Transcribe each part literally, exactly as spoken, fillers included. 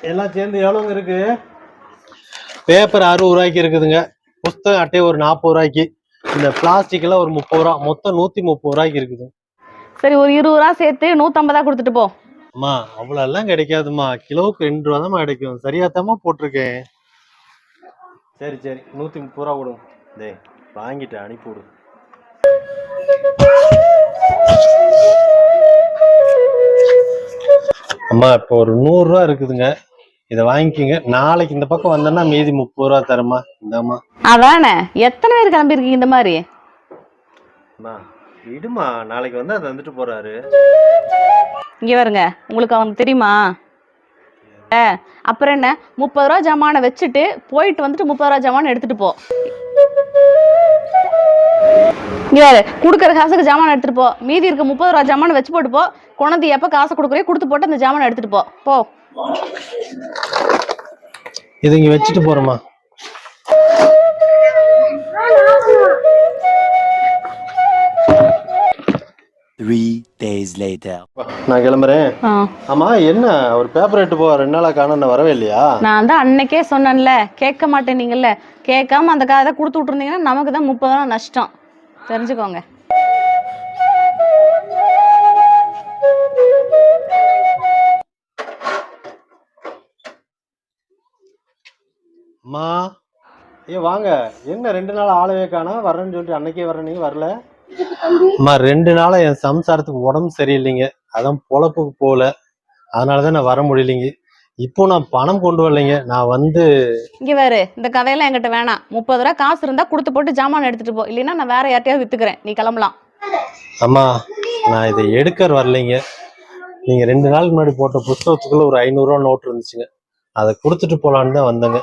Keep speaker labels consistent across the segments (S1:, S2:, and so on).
S1: எல்லாம் சேர்ந்து எவ்வளோங்க இருக்கு? பேப்பர் அறுபது ரூபாய்க்கு இருக்குதுங்க. புஸ்தகம் அட்டை ஒரு நாற்பது ரூபாய்க்கு. இந்த பிளாஸ்டிக் எல்லாம் ஒரு முப்பது ரூபா. மொத்தம் நூத்தி முப்பது ரூபாய்க்கு இருக்குது.
S2: சரி, ஒரு இருபது ரூபா சேர்த்து நூத்தம்பதா கொடுத்துட்டு போ.
S1: அம்மா அவ்வளவு எல்லாம் கிடைக்காதுமா. கிலோவுக்கு ரெண்டு ரூபா தான் கிடைக்கும். சரியாத்தாமா போட்டிருக்கேன். சரி சரி நூத்தி முப்பது ரூபா கொடுங்க. டே வாங்கிட்டு அனுப்பி விடு. அம்மா இப்போ ஒரு நூறு ரூபா இருக்குதுங்க. இதை வாங்கிக்கிங்க. நாளைக்கு இந்த பக்கம் வந்தேன்னா மீதி முப்பது ரூபா தரமா. இந்தாம்மா.
S2: அதானே, எத்தனை பேர் கிளம்பிருக்கீங்க இந்த மாதிரி?
S1: அம்மா விடுமா, நாளைக்கு வந்து அதை வந்துட்டு போறாரு.
S2: இங்க வருங்க, உங்களுக்கு அவனுக்கு தெரியுமா? அப்புறம் என்ன, முப்பது ரூபா ஜமானை வச்சுட்டு போயிட்டு வந்துட்டு முப்பது ரூபா ஜமான் எடுத்துட்டு போ. இங்க வேறு கொடுக்குற காசுக்கு ஜாமான் எடுத்துட்டு போ. மீதி இருக்க முப்பது ரூபா ஜாமான் வச்சு போட்டு போ. குழந்தை எப்ப காசை கொடுக்குறே கொடுத்து போட்டு அந்த ஜாமான் எடுத்துட்டு போ போ.
S1: இது இங்க வச்சுட்டு போறோமா?
S3: Three days later.
S1: நான் கிளம்புறேன். ஆமா என்ன ஒரு பேப்பர் எடுத்து போ. ரெண்டு நாளா காணோம், வரவே இல்லையா?
S2: நான் தான் அன்னைக்கே சொன்னேன்ல, கேட்க மாட்டேனீங்கல்ல. கேட்காம அந்த காதை கொடுத்து விட்டுருந்தீங்கன்னா நமக்கு தான் முப்பது ரூபா நஷ்டம், தெரிஞ்சுக்கோங்க.
S1: அம்மா ஏ வாங்க. என்ன ரெண்டு நாள் ஆளவே காணோம், வர்றேன்னு சொல்லிட்டு அன்னைக்கே வர்றேன், நீங்க வரல. அம்மா ரெண்டு நாளா என் சம்சாரத்துக்கு உடம்பு சரியில்லைங்க. அதான் பொழப்புக்கு போகல. அதனாலதான் நான் வர முடியலைங்க. இப்போ நான் பணம் கொண்டு வரலைங்க. நான் வந்து
S2: இங்க வேறு இந்த கதையெல்லாம் என்கிட்ட வேணாம். முப்பது ரூபா காசு இருந்தா கொடுத்து போட்டு ஜாமான் எடுத்துட்டு போ. இல்லைன்னா நான் வேற யார்ட்டையாவது வித்துக்கிறேன், நீ கிளம்பலாம்.
S1: அம்மா நான் இதை எடுக்க வரலைங்க. நீங்க ரெண்டு நாளுக்கு முன்னாடி போட்ட புத்தகத்துக்குள்ள ஒரு ஐநூறு ரூபா நோட்டு இருந்துச்சுங்க. அதை கொடுத்துட்டு போலான்னு தான் வந்தேங்க.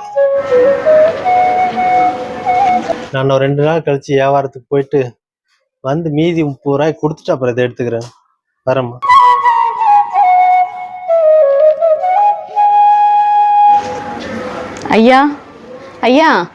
S1: நான் ஒரு ரெண்டு நாள் கழிச்சு வியாபாரத்துக்கு போயிட்டு வந்து மீதி முப்பது ரூபாய் கொடுத்துட்டு அப்புறம் இதை எடுத்துக்கிறேன். வரேம்மா.
S2: ஐயா ஐயா